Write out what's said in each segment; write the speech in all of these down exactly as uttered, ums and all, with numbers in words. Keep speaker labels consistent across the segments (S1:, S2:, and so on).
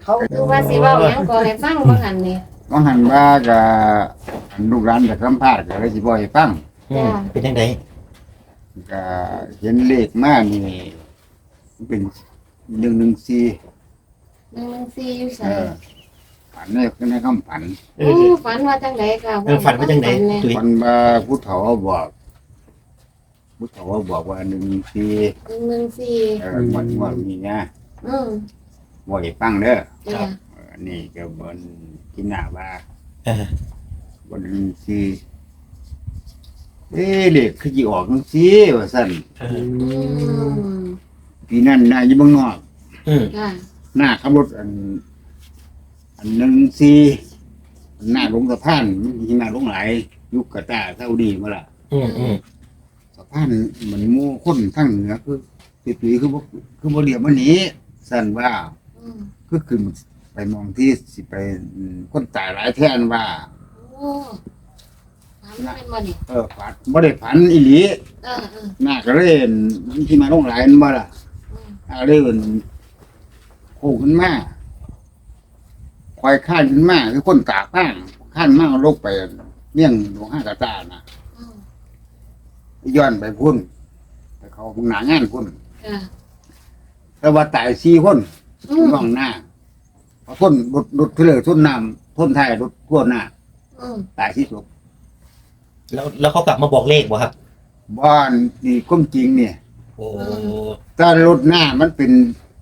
S1: เขา
S2: คือว่าสิเว้าหยังก็ให้ฟังบ่หั่นนี่
S1: ก็หันว่ากับลูกหลานจากสัมภาษณ์ก็เลยสิบ่ให้ฟัง
S3: อืมเป็นยังไง
S1: ก็เห็นเลขมานี่เป็นหนึ่งหนึ่งสี่
S2: หนึ่งหนึ่งสี่อยู่
S1: เอ
S2: ไส
S1: อฝันในในคำฝัน
S3: เอ
S2: โอ้
S3: อ
S2: ฝันว่าจังไดค่ะ
S3: เออฝันว่าจังไดตุ้ย
S1: ฝันว่าผู้เฒ่าบอกผู้เฒ่าบอกว่าหนึ่งสี่
S2: หนึ่งหนึ่งสี่
S1: เออหมดหมดนี่นะ
S2: อืม
S1: บ่ให้ฟังเด้อ
S2: จ้ะ
S1: เออนี่ก็เหมือนกินหน้าว่า
S3: เออ
S1: วันหนึ่งสี่เอ๊ะเด็กคือจีออกจังซี่ว่าซั่น
S3: เออ
S2: อืม
S1: ปีนั้นน่ะอยู่เมืองนอก
S3: อืม
S2: ค่ะ
S1: หน้าขับรถอัน อันหนึ่งสี่หน้าลงสะพานมีหน้าลงหลายยุคกะตาซาอุดีมาล่ะ
S3: อืมอืม
S1: สะพานเหมือนหมู่คนทั้งเหนือคือปีๆคือบ่คือบ่เรียบมันนี้สั่นว่า
S2: อืม
S1: คือขึ้นไปมองที่สิไปอืมคนตายหลายแท่นว่า
S2: โอ้ฝันว่าเป็นบ่นี่
S1: เออฝันบ่ได้ฝันอีหลี
S2: เออเออ
S1: หน้าก็เลยเห็นที่มาลงหลายนั่นบ่ล่ะ
S2: อืม
S1: อาเลยเป็นโค้งขึ้นมาควายข้านขึ้นมาคือคนตากข้างข้านมาเอาลกไปเมี่ยงหลวงห้ากระตาน่ะ
S2: อืม
S1: ย้อนไปพุ่นไปเขาพงหนางานพุ่น
S2: ค่ะ
S1: แต่ว่าตายสี่คน
S2: อืม
S1: มองหน้าเพราะพ่นรถรถเทเลอร์ทุ่นน้ำพ่นไทายรถทั่วหน้า
S2: อืม
S1: ตายที่สุด
S3: แล้วแล้วเขากลับมาบอกเลขบ่ครับ
S1: บ้านนี่ก้มจริงเนี่ย
S3: โอ้
S1: ถ้ารถหน้ามันเป็น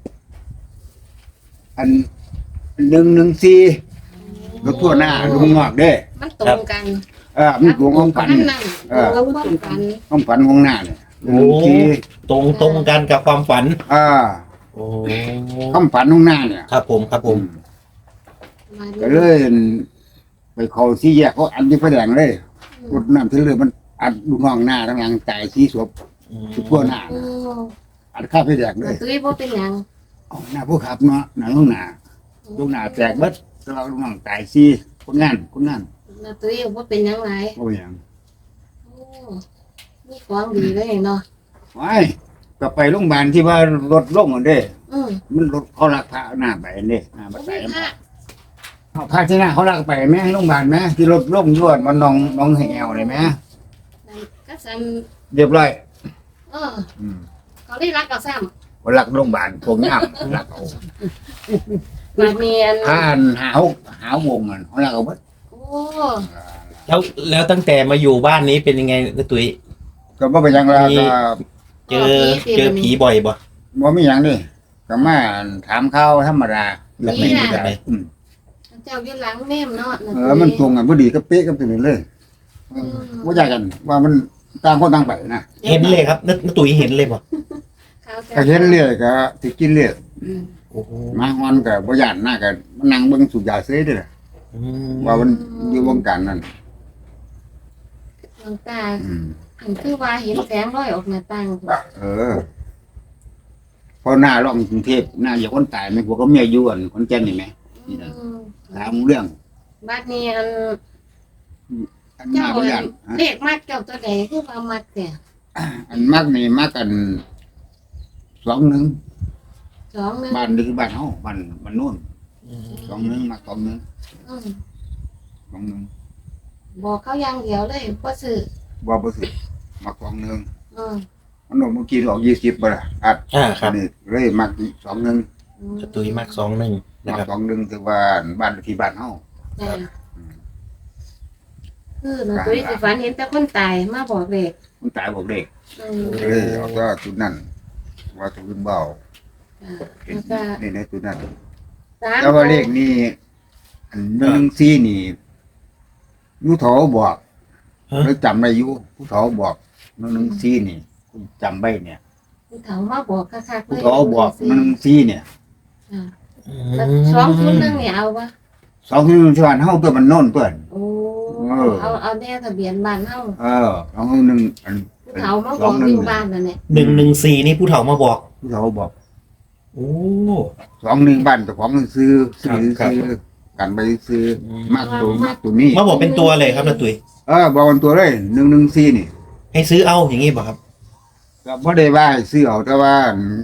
S1: อันหนึ่งหนึ่งสี่รถทั่วหน้าลุงงอกเด้
S2: มันตรงกัน
S1: เออมันหลวงของฝัน
S2: นั่นนั่น
S1: เออ
S2: ตรงกับความฝัน
S1: ของฝันของหน้าเนี่ยหนึ่ง
S3: โอ้
S1: หนึ่งสี่
S3: ตรงตรงกันกับความฝัน
S1: อ่า
S3: โอ้
S1: คำฝันของหน้าเนี่ย
S3: ครับผมครับผม
S2: มาดู
S1: ก็เลยไปเขาสี่แยกเขาอันที่ไฟแดงเลยรถน้ำเทเลอร์มันอัดลูกน้องหน้าทั้งหลังตายสี่ศพ
S3: อืม
S1: ทั่วหน้า
S2: โอ้
S1: อัดข้าไฟแดงเล
S2: แต่
S1: ย
S2: ตุ้ยบ่เป็นหยัง
S1: เอาหน้าผู้ขับเนาะหน้าลูกหน้าลูกหน้าแตกเบิดแต่ว่าลูกน้องตายสี่คนงานคนงาน
S2: แต่ตุ้ยบ่เป็นหยังหลาย
S1: โอ้ยหยัง
S2: โอ้มีของดีเลยเนาะ
S1: ไว้ก็ไปโรงพยาบาลที่ว่ารถลงอันเด้
S2: อืม
S1: มันรถเขาลักพระหน้าไปอันเด้หน้าบั
S2: บ่
S1: ด
S2: มี
S1: ไต
S2: พระ
S1: เอาพระที่หน้าเขาลักไปแม่ให้โรงพยาบาลแม่ที่รถลงยวดมันน้องน้องแหวเลยแม่
S2: นั่นก็ซั่น
S1: เรียบร้อย
S2: เออ
S1: อืม
S2: เขาได้รักกับซ้ำ
S1: คนรักโรงพยาบาลพวกนี้รักเอา
S2: มันมีอัน
S1: ถ้าอันหาวหาวงมันเขารักเอาเบิด
S2: โอ้
S3: แล้วแล้วตั้งแต่มาอยู่บ้านนี้เป็นยังไงนะตุ้ย
S1: ก็บ่เป็นหยังละ
S3: มี
S1: ก็
S3: เจอเจอผีบ่อยบ่
S1: บ่มีหยังนี่ก็มาถามข่าวธรรมดา
S3: แบบไหนแบบไหน
S1: อืม
S2: เจ้าอยู่หลังแม่มเนาะ
S1: เออมันตรงกันพอดีก็เป๊ะกันไปเลยเออบ่ยากกัน ว่ามันต่างคนต่างไปนะ
S3: เห็นเลยครับนนตุ้ยเห็นเลยบ่
S1: ก็เห็นเรื่อยก็สิกินเรื่อย
S2: อืม
S3: โอ้โห
S1: มาฮอนก็บ่ย่านหน้าก็มานั่งเบิ่งสูบยาเสยเด้อ
S3: อืม
S1: ว่ามันอยู่วงการนั้น
S2: หลวงตา
S1: อืม
S2: อันคือว่าเห็นแสงลอยออกหน้าต่าง
S1: เออพอหน้าร่องกรุงเทพหน้าอย่าคนตายไหมพวกก็เมียอยู่อันคนแก่นนี่ไหม
S2: อืม
S1: ถามเรื่อง
S2: บัดนี้อัน
S1: อันหน้า
S2: เจ้า
S1: บ่ย่านฮะ
S2: เลขมากเจ้าตัวใดคือว่ามักแต่
S1: อันมักนี่มักกันสองหนึ่ง
S2: สองหนึง
S1: บ้านนี่คือบ้านเฮาบ้านบ้านโน่น
S3: อืม
S1: สองหนึ่งมักสองหนึ่ง
S2: อืม
S1: สองหนึ่ง
S2: บอกเขาอย่างเดียวเลยบ่ซื้อ
S1: บ่บ่สิมักสองหนึ่ง
S2: อืม
S1: มันโดนเมื่อกี้ออกยี่สิบบ่ล่ะอัด
S3: อ่าครับ
S1: นี่เลยมักสองหนึ่ง
S2: อืม
S3: ตุ้ยมากสองหนึ่งนะ
S1: มัก
S3: ครับ
S1: สองหนึ่งคือว่าบ้านที่บ้านเฮา
S2: จ้ะคือหนูตุ้ยสิฝันเห็นแต่คนตายมาบอกเลข
S1: มันตายบอกเด็ก
S2: อืม
S1: เลยเอาก็จุดนั้นว่าจุดเบา
S2: จ้ะ
S1: เห็น
S2: แล้วก็
S1: นี่ในจุดนั้น
S2: สาม
S1: แล้วว่าเลขนี้อันหนึ่งสี่นี่ยูโถบอก
S3: ฮะ
S1: แล้วจำได้อยูผู้โถบอกหนึ่งสี่นี่คุณจำไว้เนี่ย
S2: ผู้เฒ่ามาบอกคักๆเล
S1: ผู้
S2: ย
S1: โถบอกหนึ่งสี่เนี่ย
S2: อ่า
S3: อื
S2: แล้ว
S3: ม
S2: สองศูนย์หนึ่งเนี่ยเอาวะ
S1: สองที่หนึ่งชวนเฮาเพื่อมันโน่นเพื่อน
S2: โอ้
S1: เออ
S2: เอาเอาแน่ทะเบียนบ้านเฮา
S1: เออสองหนึ่งอัน
S2: ผู้เฒ่ามาบอกอยู่บ้านนั่นแหละ
S3: หนึ่งหนึ่งสี่นี่ผู้เฒ่ามาบอก
S1: ผู้โถบอก
S3: โอ้
S1: สองหนึ่งบ้านแต่ของซื้อซื้อ
S3: ครับ
S1: ซื้อกันไปซื้อ
S3: อืม
S1: มากตัวมากตัวนี้
S3: มาบอกเป็นตัวเลยครับนะตุ้ย
S1: เออบอกเป็นตัวเลยหนึ่งหนึ่งสี่นี่
S3: ให้ซื้อเอาอย่างงี้ป่ะครับ
S1: ก็บ่ได้ว่าให้ซื้อเอาแต่ว่า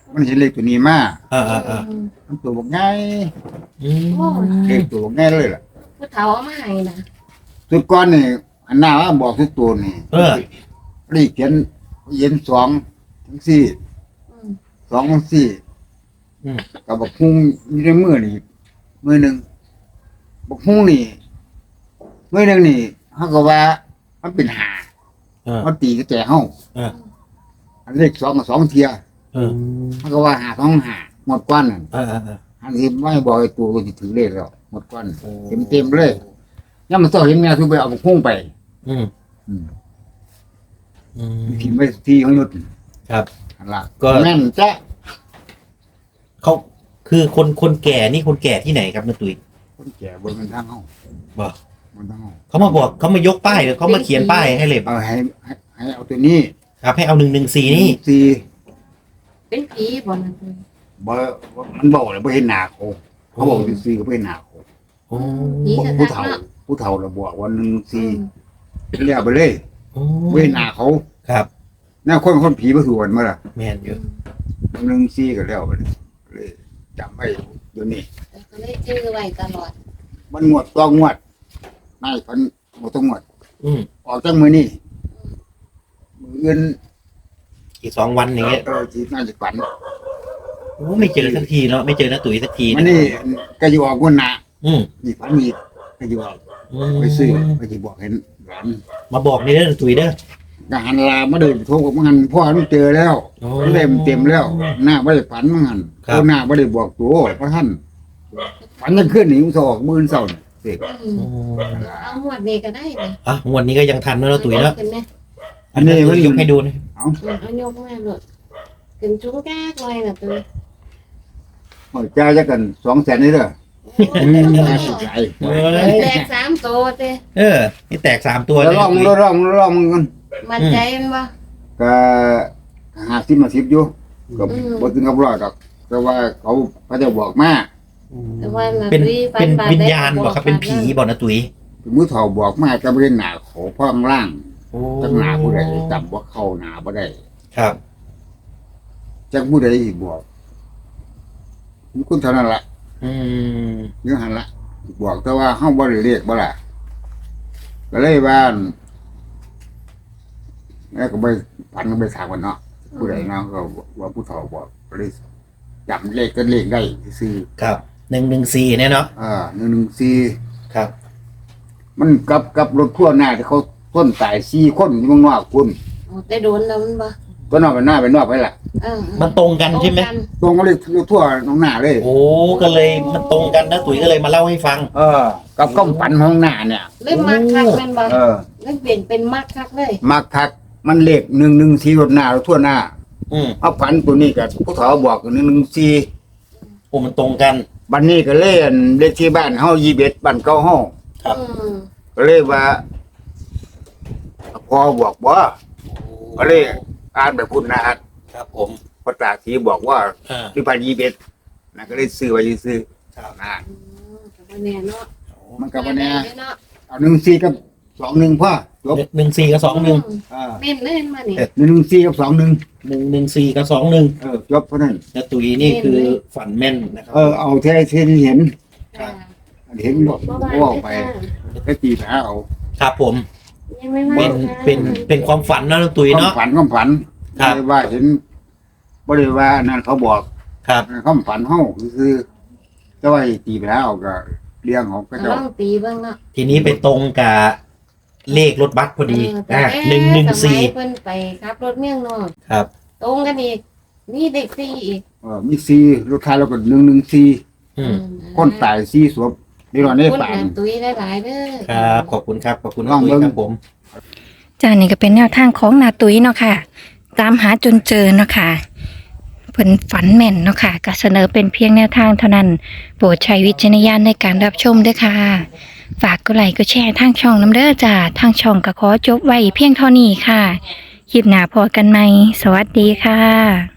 S1: มันเห็นเลขตัวนี้มา
S3: อ่าอ่าอ่า
S1: มันตัวบอกง่าย
S3: อืม
S1: เลขตัวบอกง่ายเลยล่ะ
S2: ผู้เฒ่าเอามาให้นะ
S1: สุดก้อนนี่อันหน้าว่าบอกทุกตัวนี่
S3: เออ
S1: เลขเขียนเย็นสองทั้งสี่
S2: อืม
S1: สองทั้งสี่
S3: อืม
S1: กับบักฮุ้งอยู่ในมือนี่มือหนึ่งบักฮุ้งนี่มือหนึ่งนี่เขาก็ว่ามันเป็นหา
S3: เออ
S1: เขาตีกระแจเฮ้า
S3: เออ
S1: อันเลขสองกับสองเทีย
S3: เออ
S1: เขาก็ว่าหาท้องหาหมดก้อนนั่น
S3: เออเออเออ
S1: อันนี้ไม่บอกไอ้ตัวก็สิถือเลขแล้วหมดก้อน
S3: โอ้
S1: เต็มเต็มๆเลยย่ามันต้องเห็นแม่ทุกไปเอาบักฮุ้งไป
S3: อืม
S1: อืม
S3: อืม
S1: ทีไม่ทีของยุทธ
S3: ครับ
S1: อันละ
S3: ก็
S1: แม่นจ้ะ
S3: เขาคือคนคนแก่นี่คนแก่ที่ไหนครับนาตุ๋ย
S1: คนแก่บนมันทางเฮ้า
S3: บอก
S1: บนทางเฮ้า
S3: เขามาบอกเขามายกป้ายหรือเขามาเขียนป้ายให้เลย
S1: เอาให้ให้ให้เอาตัวนี้
S3: ครับให้เอาหนึ่งหนึ่งสี่นี่
S1: สี่
S2: เป็นผีบ่นะเพิ่น
S1: บ่มันบอกเลยบ่เห็นหน้าเขาเขาบอกสี่ก็บ่เห็นหน้าเขา
S3: โอ้
S2: ผี
S1: บอก
S2: จะ
S1: ผู้
S2: ทัก
S1: เฒ่า
S2: เนาะ
S1: ผู้เฒ่าเราบอกว่าหนึ่ง
S2: อื
S1: สี่
S2: ม
S1: เรียกไปเลย
S3: โอ้
S1: บ่เห็นหน้าเขา
S3: ครับ
S1: แน่คนคนผีบ่คือวันมาล่ะ
S3: แม่นอยู่
S1: หนึ่งสี่ก็แล้วไปเลยเลยจำไว้เดี๋ยวนี้
S2: แต่ก็เลยชื่อไว้ตลอด
S1: มันงวดต้องงวดนายพันบ่ต้องงวด
S3: อืม
S1: ออกจากมือนี่มืออื่น
S3: อีกสองวันอย่างเงี้ย
S1: เออสิน่าจะฝัน
S3: โอ้ไม่เจอสักทีเนาะไม่เจอนาตุ๋ยสักที
S1: มันนี่ก็อยู่ออกงวดหน้า
S3: อืม
S1: นี่ฝันอีกก็อยู่ออก
S3: อืม
S1: ไปซื้อไปสิบอกเห็นหลาน
S3: มาบอกนี่เด้อนาตุ๋ยเด้อ
S1: ก็หันลามาเดินโทรกับมันพ่อมันเจอแล้ว
S3: โอ้
S1: เต็มเต็มแล้ว หน้าไม่ได้ฝันมันหัน
S3: ครับ
S1: ตัวหน้าไม่ได้บอกตัวพระท่านฝันยังขึ้นหนีมันสออกมือเศร้าเนี่ยเสก
S2: อืม
S3: โอ้
S2: เอาหมวดนี้ก็ได้นะ
S3: อ่ะงวดนี้ก็ยังทันเนอะนาตุ๋ยเนาะ
S2: ขึ้นไหม
S1: อันนี้มัน
S3: ยกให้ดูนะ
S1: เอา
S2: อืมเอายกมาโลดขึ้นชุ้งแก้กเลยน่ะตัว
S1: หอยจ้าจะกันสองแสนนี่เด้อ
S2: โอ้
S1: น่าสนใจ
S3: เอ้ย
S2: แตกสามโตวเต้
S3: เออนี่แตกสามตัว
S1: แล้ว
S3: เลย
S1: ลอง
S3: นาตุ๋ย
S1: ลองลองมันกัน
S2: มันใจมันบ่
S1: ก็หาสิบมาสิบอยู่ก็
S2: อืม
S1: บ่ถึงกับร้อยดอกแต่ว่าเขาเขาจะบอกมา
S2: แต่ว่ารา
S3: เป็น
S2: ตรีฝั
S3: เป็น
S2: บาด
S3: วิญ
S2: ได้
S3: ญาณบอกครับเป็นผีบอกนาตุ๋ย
S1: เป็นมือเฒ่าบอกมาก็บ่ได้หน้าเขาพ่องล่าง
S3: โอ้
S1: จักหน้าผู้ใดจำว่าเข้าหน้าบ่ได้
S3: ครับ
S1: จักผู้ใดอีกบอกมีคนเท่านั้นล่ะ
S3: อืม
S1: เนื้อหันละบอกแต่ว่าเฮาบ่ได้เรียกบ่ล่ะก็เลยว่าอั่นแล้วก็ไปพันก็ไปถามกันเนาะผู้ใดเนาะก็ว่าผู้เฒ่าบอกก็เลยจำเลขก็เลขได้ซื่อ
S3: ครับหนึ่งหนึ่งสี่เนี่ยเนาะ
S1: อ่าหนึ่งหนึ่งสี่
S3: ครับ
S1: มันกับกับรถทั่วหน้าที่เขาต้นตายสี่คนอยู่เมืองนอกคุณ
S2: โอ้ได้โดนแล้วมันบ่
S1: ตัวนอกไปหน้าไปนอกไปล่ะ
S2: เออ
S3: มันตรงกันใช่ไหม
S2: ตรงกัน
S1: ตรงก็เลยรถทั่วน้องหน้าเลย
S3: โอ้ก็เลยมันตรงกันนะตุ๋ยก็เลยมาเล่าให้ฟัง
S1: เออ กับก้มฝันของหน้าเนี่ย
S2: เลยมักคักแม่นบ่
S1: เออ
S2: เลยเปลี่ยนเป็นมักคักเลย
S1: มักคักมันเลขหนึ่งหนึ่งสี่รถหน้ารถทั่วหน้า
S3: อืม
S1: เอาฝันตัวนี้กับผู้เฒ่าบอกหนึ่งหนึ่งสี่
S3: โอ้มันตรงกัน
S1: บันนี้ก็เล่นเลขที่บ้านเฮายี่สิบเอ็ดบ้านเก่าเฮา
S3: ครับ
S2: อืม
S1: ก็เลยว่าพอบอกว่าก็เลยอ่านแบบคุณนะฮะ
S3: ครับผม
S1: พระตาสีบอกว่า
S3: อ่า
S1: ที่บ้านยี่สิบเอ็ดนะก็เลยซื้อไว้ซื้อ
S3: ครับ
S1: นะ
S2: อืมก็บ่แน่เนาะ
S1: มันก็บ่แน่
S2: ได้เนาะ
S1: เอาหนึ่งสี่กับสองหนึ่งพ่อจบ
S3: หนึ่งสี่กับสองหนึ่ง
S1: อ่า
S2: เน้นเล่นมานี่
S1: หนึ่งสี่กับสองหนึ่ง
S3: หนึ่งหนึ่งสี่กับสองหนึ่ง
S1: เออจบเพราะนั้น
S3: นาตุ๋ยนี่คือฝันแม่นนะครับ
S1: เออเอาแท้ที่เห็น
S2: ค่ะ
S1: เห็นบอก
S2: บ่ว่า
S1: ว่าออกไป
S2: ได้ค่ะ
S1: ก็ตีหาเอา
S3: ครับผม
S2: ยังไม่มา
S3: เป็น
S2: ค่ะ
S3: เป็นเป็นความฝันนะนาตุ๋ย
S1: ความ
S3: เนาะ
S1: ฝันความฝัน
S3: ครับ
S1: ไม่ได้ว่าเห็นบ่ได้ว่านั่นเขาบอก
S3: ครับ
S1: ความฝันเฮาคือแต่ว่าตีไปแล้วก็เลี้ยงของก็
S2: ล
S1: เจ้า
S2: องตีเบิ่งเนาะ
S3: ทีนี้ไปตรงกับเลขรถบัสพอดี
S2: เออ
S3: อ่า
S2: แต่
S3: หนึ่งหนึ่ง
S2: สมั
S3: สี่
S2: ยเพิ่นไปขับรถเมี่ยงนอก
S3: ครับ
S2: ตรงกันอีกนี่เด็กสี่อีก
S1: เออมีสี่รถท้ายแล้วก็หนึ่งหนึ่งสี่
S3: อืม
S1: คนตายสี่ศพนี่ว่าใน
S2: คน
S1: ป่า
S2: หาตุ้ยหลายๆเด้อ
S3: ครับ ขอบคุณครับ ขอบคุณ
S1: ลอง
S3: นา
S1: เบิ่
S3: ตุ๋ย
S1: ง
S3: ครับผม
S4: จ้านี่ก็เป็นแนวทางของนาตุ้ยเนาะค่ะ ตามหาจนเจอเนาะค่ะเพิ่นฝันแม่นเนาะค่ะก็เสนอเป็นเพียงแนวทางเท่านั้น โปรดใช้วิจารณญาณในการรับชมด้วยค่ะ ฝากกดไลค์กดแชร์ทางช่องน้ำเด้อจ้าทางช่องก็ขอจบไว้เพียงเท่านี้ค่ะคลิปหน้าพอกันไหมสวัสดีค่ะ